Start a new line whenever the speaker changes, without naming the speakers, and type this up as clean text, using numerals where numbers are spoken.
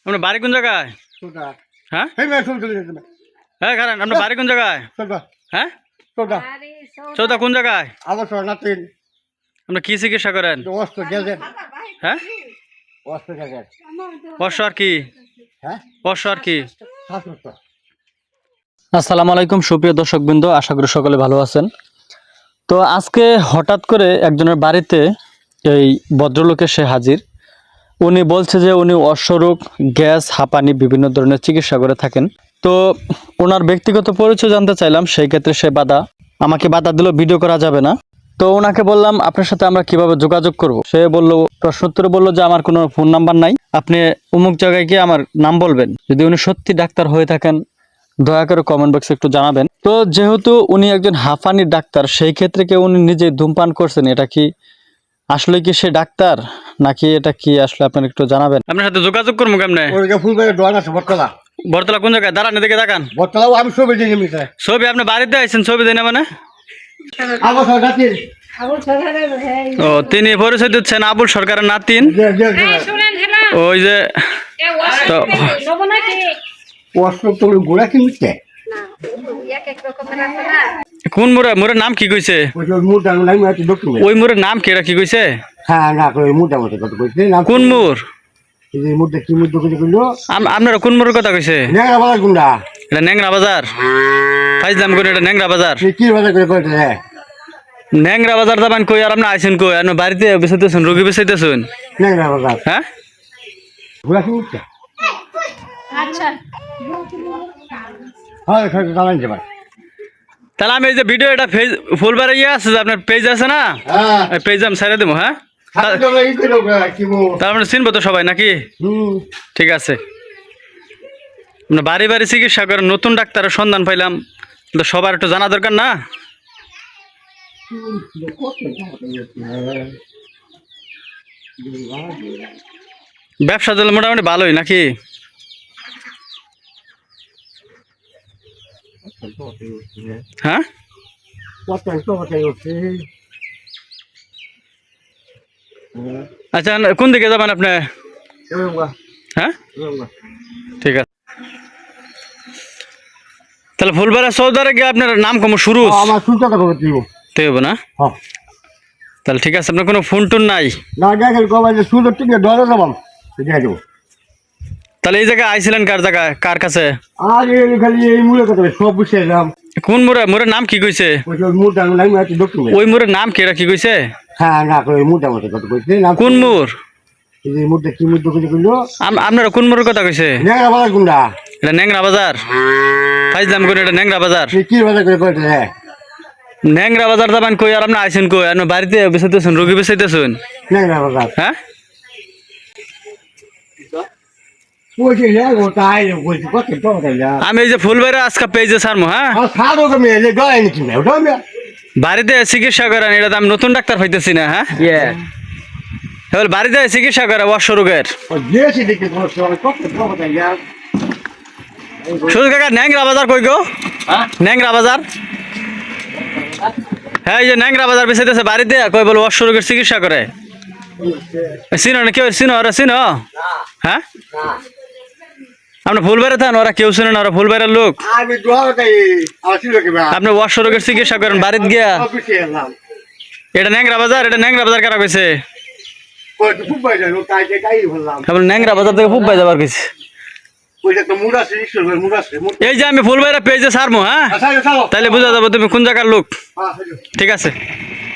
আপনার বাড়ি কোন জায়গায়? হ্যাঁ হ্যাঁ কারণ আপনার বাড়ি কোন জায়গায়? হ্যাঁ চৌদা কোন জায়গায়? আপনি কি চিকিৎসা করেন? হ্যাঁ অশ্ব আর কি? অশ্ব আর কি? আসসালামু আলাইকুম সুপ্রিয় দর্শকবৃন্দ, আশা করি সকলে ভালো আছেন। তো আজকে হঠাৎ করে একজনের বাড়িতে এই ভদ্রলোকে সে হাজির। উনি বলছে যে উনি অশ্বরোগ, গ্যাস, হাঁপানি বিভিন্ন ধরনের চিকিৎসা করে থাকেন। তো ওনার ব্যক্তিগত পরিচয় জানতে চাইলাম, সেই ক্ষেত্রে সে আমাকে বাধা দিল, ভিডিও করা যাবে না। তো ওনাকে বললাম আপনার সাথে আমরা কিভাবে যোগাযোগ করব। সে বলল, প্রশ্নোত্তরে বলল যে আমার কোনো ফোন নাম্বার নাই, আপনি অমুক জায়গায় গিয়ে আমার নাম বলবেন। যদি উনি সত্যি ডাক্তার হয়ে থাকেন দয়া করে কমেন্ট বক্সে একটু জানাবেন। তো যেহেতু উনি একজন হাঁপানির ডাক্তার, সেই ক্ষেত্রে কি উনি নিজে ধূমপান করছেন, এটা কি আসলে কি সে ডাক্তার নাকি এটা কি আসলে আপনার একটু জানাবেন। আপনার সাথে যোগাযোগ করবো কেমনে? বরতলা কোন জায়গায়? দাঁড়ান, এদিকে দেখান।
আমি ছবি দিয়ে
ছবি আপনি বাড়িতে আইছেন, ছবি দেয় না মানে? ও, তিনি পরিচয় দিচ্ছেন আবুল সরকারের নাতিন। ওই যে কোন মোড়ে? মোড়ের নাম কি কইছে? ওই মোড়ের নাম কি, এটা কি কইছে? কোন মোড়? আপনারা কোন মোড়ের কথা কইছে? এটা ন্যাংরা বাজার। ফাইজলাম করে, এটা ন্যাংরা বাজার। ন্যাংরা বাজার যাবেন কই? আর আপনি আইছেন কই? আপনি বাড়িতে বেসাইতেছেন, রোগী বেসাইতেছেন? হ্যাঁ তাহলে আমি এই যে ভিডিও, এটা ফুলবারে ইয়ে আছে যে আপনার পেজ আছে না, পেজ আমি ছেড়ে দেবো। হ্যাঁ তার মানে চিনবো তো সবাই নাকি? ঠিক আছে। বাড়ি বাড়ি চিকিৎসা করেন, নতুন ডাক্তারের সন্ধান পাইলাম, তো সবার একটু জানা দরকার না? ব্যবসা চলে মোটামুটি ভালোই নাকি? হ্যাঁ আচ্ছা, কোন দিকে যাবেন আপনি? হ্যাঁ ঠিক আছে। তাহলে ফুলবাড়া চৌদারে গিয়ে আপনার নাম কম শুরু হবে না? তাহলে ঠিক আছে। আপনার কোনো ফোন টোন নাই? তাহলে এই জায়গায় আইছিলেন কার জায়গায়, কার কাছে? কোন মোড়ে? মোড়ের নাম কি কইছে? ওই মোড়ের নাম কি, এটা কি কইছে? কোন মোড়? আপনারা কোন মোড়ের কথা কইছে? এটা ন্যাংরা বাজার। ফাইজলাম করে, এটা ন্যাংরা বাজার। ন্যাংরা বাজার যাবেন কই? আর আপনি আইছেন কই? আপনি বাড়িতে বেসাইতেছেন, রোগী বেসাইতেছেন? হ্যাঁ আমি এই যে ফুলবাড়ি আজকে পেজে ছাড়বো। হ্যাঁ বাড়িতে চিকিৎসা করেন, এটা আমি নতুন ডাক্তার পাইতেছি না। হ্যাঁ এবার বাড়িতে চিকিৎসা করে অশ্ব রোগের। শুধু কাকা ন্যাংরা বাজার কই গো? ন্যাংরা বাজার। হ্যাঁ এই যে ন্যাংরা বাজার বেসাইতেছে বাড়িতে, কই বল অশ্ব রোগের চিকিৎসা করে। চিনো না কেউ? চিনো ওরা? চিনো? হ্যাঁ আপনি ফুলবাড়ি থাকেন, ওরা কেউ শুনে না, ওরা ফুলবাড়ির লোক। আপনি অশ্ব রোগের চিকিৎসা করেন বাড়িতে গিয়া। এটা ন্যাংরা বাজার। এটা ন্যাংরা বাজার কারা কইছে? ন্যাংরা বাজার থেকে ফুব যাবার কইছে। এই যে আমি ফুলবাড়ি পেজে ছাড়বো। হ্যাঁ তাহলে বোঝা যাবো তুমি কোন জায়গার লোক। ঠিক আছে।